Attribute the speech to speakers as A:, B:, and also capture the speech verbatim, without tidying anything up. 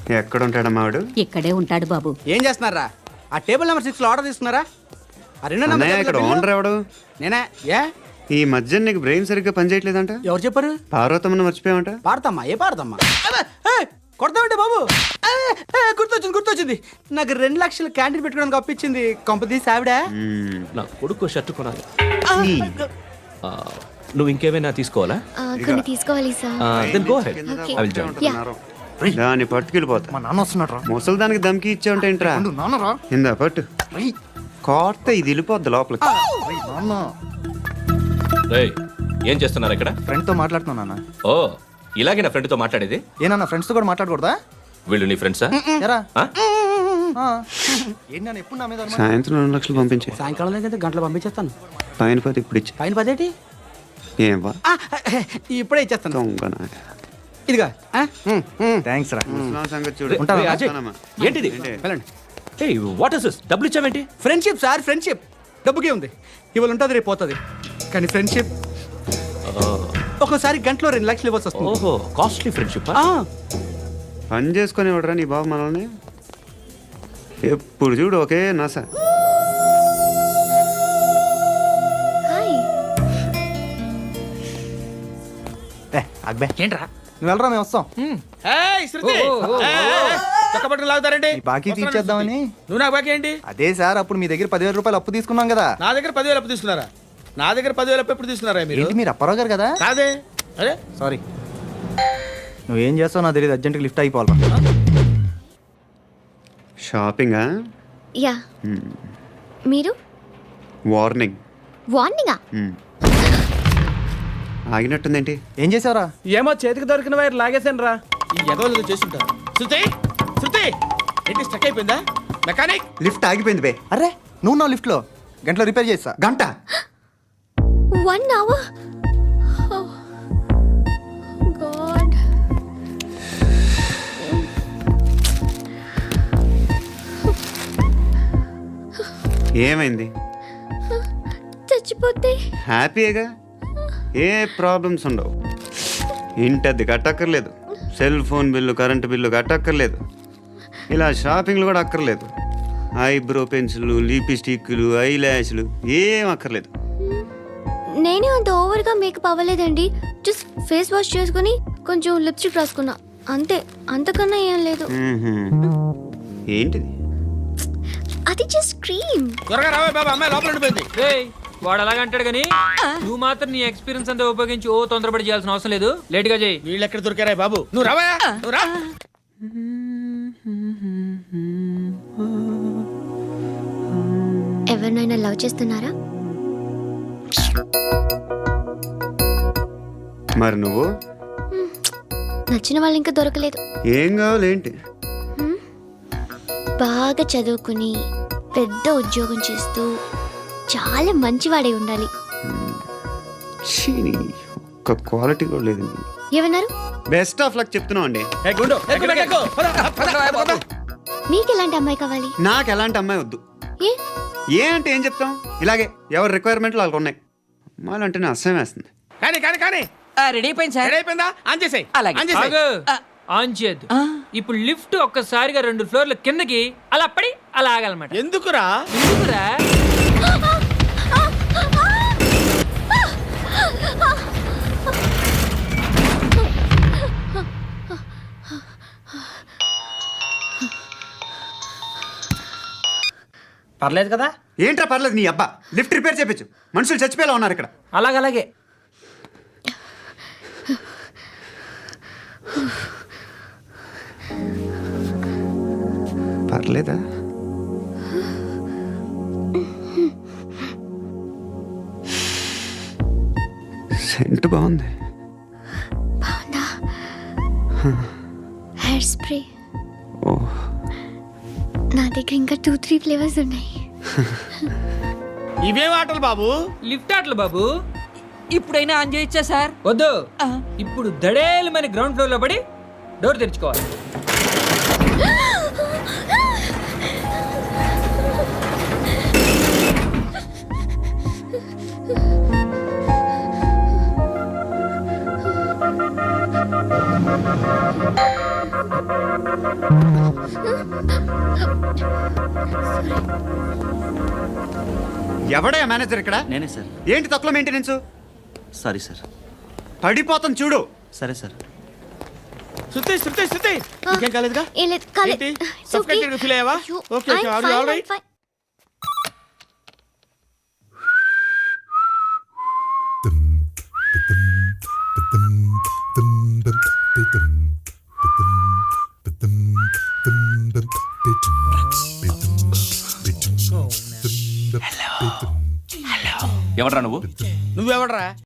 A: ఎక్కడ ఉంటాడమ్మా వాడు?
B: ఇక్కడే ఉంటాడు బాబు.
C: ఏం చేస్తున్నారా? ఆ టేబుల్ నెంబర్ సిక్స్ లో ఆర్డర్ తీసుకున్నారా? ఆ రెండో నెంబర్
A: అన్నయ్య, ఇక్కడ ఓనర్ ఎవడు?
C: నేనే. ఏ
A: ఈ మధ్య నీకు బ్రెయిన్ సరిగ్గా పనిచేయట్లేదంట.
C: ఎవరు చెప్పారు?
A: పార్వతమ్మను మర్చిపోయామంట.
C: పాడతామ్మా? ఏ పాడతామ్మా? కొడతామంటే బాబు. ఏ, ఏ, గుర్తొచ్చింది గుర్తొచ్చింది నాకు రెండు లక్షలు క్యాంటీన్ పెట్టుకోవడానికి అప్పించింది కొంపదీసి ఆవిడ.
A: మ్మ్.
D: నా కొడుకు షర్ట్ కొనాలి.
A: ఈ.
D: ఆ, నువ్వు ఇంకేమైనా తీసుకోవాలా?
E: ఆ, కొన్ని తీసుకోవాలి సార్.
D: Then go head.
A: కింద
E: Okay.
D: I will join.
A: ఉంటున్నారు. దాన్ని పట్టుకెళ్ళిపోతా.
F: మా నాన్న వస్తున్నాడు
A: ముసలి దానికి దమ్కి ఇచ్చావంటే ఏంట్రా?
F: నాన్నరా
A: ఇందా పట్టు. కోర్త ఇది వెళ్ళిపోద్ది లోపలికి.
F: నాన్న
D: రేయ్, ఏం చేస్తున్నారు ఇక్కడ?
F: ఫ్రెండ్ తో మాట్లాడుతున్నా నాన్న.
D: ఓ, ఇలాగే నా ఫ్రెండ్తో మాట్లాడేది?
F: ఏనా ఫ్రెండ్స్ తో కూడా మాట్లాడకూడదా?
D: వీళ్ళు నీ ఫ్రెండ్సా?
F: ఎరా
D: ఆ?
F: ఏంటి నాన్న ఎప్పుడు నా మీద అనుమానం?
A: సాయంత్రం రెండు లక్షలు పంపించే.
C: సాయంకాలం దగ్గర గంటలు పంపించేస్తాను.
A: పైన పది ఇప్పుడు ఇచ్చే.
C: పైన పదేటి?
A: ఏం వా
C: ఆ, ఇప్పుడే ఇచ్చేస్తాను.
A: దొంగ నా.
C: ఇదిగా
F: థ్యాంక్స్ రా.
A: ముసలాం సంగతి చూడు.
D: ఉంటావా? రేయ్, అజయ్,
A: వస్తానమ్మా.
D: ఏంటిది?
A: ఏంటి?
C: వెళ్ళండి.
D: ఏయ్, వాట్ ఇస్ దిస్? డబ్బులు ఇచ్చావేంటి?
C: Friendship sir, friendship. డబ్బుకే ఉంది, ఇవాళ ఉంటుంది రేపు పోతుంది. కానీ ఫ్రెండ్షిప్ ఒక్కోసారి గంటలో రెండు లక్షలు ఇవ్వాల్సి వస్తుంది.
D: ఓహో, కాస్ట్లీ ఫ్రెండ్షిప్.
C: ఆ,
A: పని చేసుకొని ఇవ్వడరా నీ బాబు మనల్ని? ఎప్పుడు చూడు ఒకే నాస.
E: హాయ్.
F: ఏ అక్బే
C: ఏంట్రా?
F: నువ్వు వెళ్ళరా మేము వస్తాం.
C: చక్కబట్టలు లాగుతారండి.
F: ఈ బాకీ తీర్చేద్దామని.
C: నువ్వు నాకు బాకీ ఏంటి?
F: అదే సార్ అప్పుడు మీ దగ్గర పదివేల రూపాయలు అప్పు తీసుకున్నాం కదా.
G: నా దగ్గర పదివేలు అప్పు తీసుకున్నారా? నా దగ్గర పదివేలు అప్పు ఎప్పుడు తీసుకున్నారా మీరు?
F: ఏంటి మీరు అప్పారావు గారు కదా?
G: కాదే. అరే
F: సారీ. నువ్వేం చేస్తావు నాకు తెలియదు, అర్జెంట్గా లిఫ్ట్ అయిపోవాలి.
A: షాపింగా?
E: యా. మీరు
A: వార్నింగ్.
E: వార్నింగా?
A: ఆగినట్టుందేంటి?
F: ఏం చేసావురా?
C: ఏమో చేతికి దొరికిన వైర్ లాగేసాను రా.
G: ఈ ఎగవలు చేస్తుంటారు. శృతి శృతి ఏంటి స్టక్ అయిపోయిందా? మెకానిక్
A: లిఫ్ట్ ఆగిపోయింది బే.
F: అరే నువ్వు నా లిఫ్ట్లో గంటలో రిపేర్ చేస్తా.
A: గంట?
E: One hour. గాడ్.
A: ఏమైంది?
E: చచ్చిపోతే
A: హ్యాపీగా, ఏ ప్రాబ్లమ్స్ ఉండవు. ఇంటి అద్దె కట్టక్కర్లేదు, cell phone bill, current bill కట్టక్కర్లేదు, ఇలా షాపింగ్లు కూడా అక్కర్లేదు. ఐబ్రో పెన్సిల్, లిప్స్టిక్లు, ఐ ల్యాష్లు ఏం అక్కర్లేదు.
E: నేనే అంత ఓవర్గా మేకప్ అవ్వలేదండి. జస్ట్ ఫేస్ వాష్ చేసుకుని కొంచెం లిప్స్టిక్ రాసుకున్నా అంతే. అంతకన్నా ఏం లేదు.
A: మ్మ్హ్మ్. ఏంటిది?
E: అది జస్ట్ క్రీమ్.
G: త్వరగా రావే బాబా, అమ్మాయి లోపల ఉండిపోయింది.
H: రేయ్, వాడు అలాగంటాడు కానీ నువ్వు మాత్రం నీ ఎక్స్పీరియన్స్ అంతా ఉపయోగించి ఓ తొందరపడి చేయాల్సిన అవసరం లేదు. లేట్ గా చేయి.
G: వీళ్ళు ఎక్కడ దొరికారా బాబు? నువ్వు రావా, నువ్వు రా.
E: ఎవరినైనా లవ్ చేస్తున్నారా?
A: మరి నువ్వు?
E: నచ్చిన వాళ్ళు ఇంకా దొరకలేదు.
A: ఏం కావాలి ఏంటి?
E: బాగా చదువుకుని పెద్ద ఉద్యోగం చేస్తూ చాలా మంచివాడై ఉండాలి.
A: ఛీ, నీ ఒక్క క్వాలిటీ కూడా లేదు.
E: ఏమన్నారు?
A: బెస్ట్ ఆఫ్ లక్ చెప్తున్నావు అండి.
G: ఏ గుండు, ఎక్కు, ఎక్కు, ఎక్కు. పద, పద, పద, పద.
E: మీకు ఎలాంటి అమ్మాయి కావాలి?
A: నాకు ఎలాంటి అమ్మాయి వద్దు.
E: ఏ
A: ఏ అంటే ఏం చెప్తాం? ఇలాగే ఎవరి రిక్వైర్మెంట్లు వాళ్ళకు ఉన్నాయి. అమ్మాయిలు అంటేనే అసహ్యం వేస్తుంది.
G: కానీ కానీ కానీ
H: రెడీ అయిపోయింది సార్.
G: రెడీ అయిపోయిందా? ఆన్ చేసేయ్. ఆన్ చేసేయ్.
H: ఆగు. ఆన్ చేయద్దు. ఇప్పుడు లిఫ్ట్ ఒక్కసారిగా రెండు ఫ్లోర్ల కిందకి అలా పడి అలా ఆగాలన్నమాట.
G: ఎందుకురా?
H: ఎందుకురా?
C: పర్లేదు కదా?
A: ఏంట్రా పర్లేదు నీ అబ్బా. లిఫ్ట్ రిపేర్ చేయించు. మనుషులు చచ్చిపోయేలా ఉన్నారు ఇక్కడ.
C: అలాగలాగే.
A: పర్లేదా? సెంట్ బాగుంది.
E: బాగుందా? Hair spray.
A: ఓ,
E: నా దగ్గర ఇంకా టూ త్రీ ఫ్లేవర్స్ ఉన్నాయి.
G: ఇవేం ఆటలు బాబు?
H: లిఫ్ట్ ఆటలు బాబు. ఇప్పుడైనా ఆన్ చేయొచ్చా సార్? వద్దు. ఇప్పుడు దడేలు మన గ్రౌండ్ ఫ్లోర్ లో పడి డోర్ తెరుచుకోవాలి.
A: ఎవడే మేనేజర్ ఇక్కడ?
F: నేనే సార్.
A: ఏంటి తక్కువ మెయింటెనెన్స్?
F: Sorry sir.
A: పడిపోతాను చూడు.
F: సరే సార్.
G: శృతి శృతి శృతి ఇంకేం కాలేదుగా?
E: ఏం లేదు, కాలేదు.
G: ఏంటి?
E: It's
G: Suffocated
E: okay.
G: గా feel అయ్యావా?
E: అయ్యో,
G: Okay, okay.
E: I'm
G: Are you
E: fine,
G: all
E: I'm
G: right?
E: fine.
D: ఎవడ్రా నువ్వు?
G: నువ్వెవడరా?